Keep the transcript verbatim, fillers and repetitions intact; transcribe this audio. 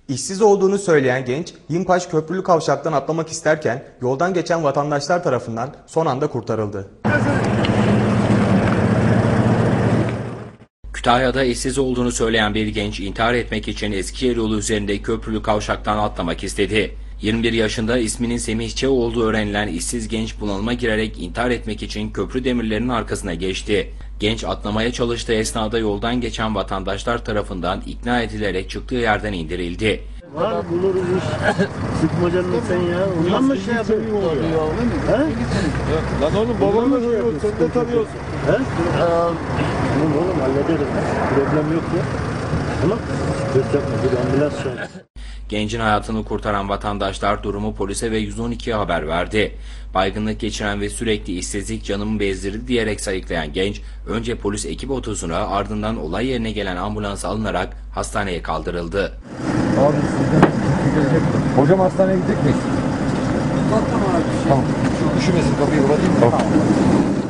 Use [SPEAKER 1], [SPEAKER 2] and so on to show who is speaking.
[SPEAKER 1] İşsiz olduğunu söyleyen genç, Yimpaş Köprülü Kavşak'tan atlamak isterken yoldan geçen vatandaşlar tarafından son anda kurtarıldı.
[SPEAKER 2] Kütahya'da işsiz olduğunu söyleyen bir genç intihar etmek için Eskişehir yolu üzerinde Köprülü Kavşak'tan atlamak istedi. yirmi bir yaşında isminin Semih Ç. olduğu öğrenilen işsiz genç bunalıma girerek intihar etmek için köprü demirlerinin arkasına geçti. Genç atlamaya çalıştığı esnada yoldan geçen vatandaşlar tarafından ikna edilerek çıktığı yerden indirildi.
[SPEAKER 3] Var buluruz iş. Sıkma canını sen ya. Ondan mı şey yapıyorsun? He?
[SPEAKER 4] Lan oğlum babamla şey yok. Sen de tanıyorsun.
[SPEAKER 3] He? Tamam oğlum hallederiz. Problem yok ya. Tamam. Dört yapma. Bir ambulans çağır.
[SPEAKER 2] Gencin hayatını kurtaran vatandaşlar durumu polise ve yüz on ikiye haber verdi. Baygınlık geçiren ve sürekli işsizlik canımı bezdirdi diyerek sayıklayan genç, önce polis ekip otosuna ardından olay yerine gelen ambulans alınarak hastaneye kaldırıldı.
[SPEAKER 4] Abi sizden hocam hastaneye gidecek miyiz? Tamam abi. Tamam. Şu üşümesin kapıyı kapatayım mı? Tamam.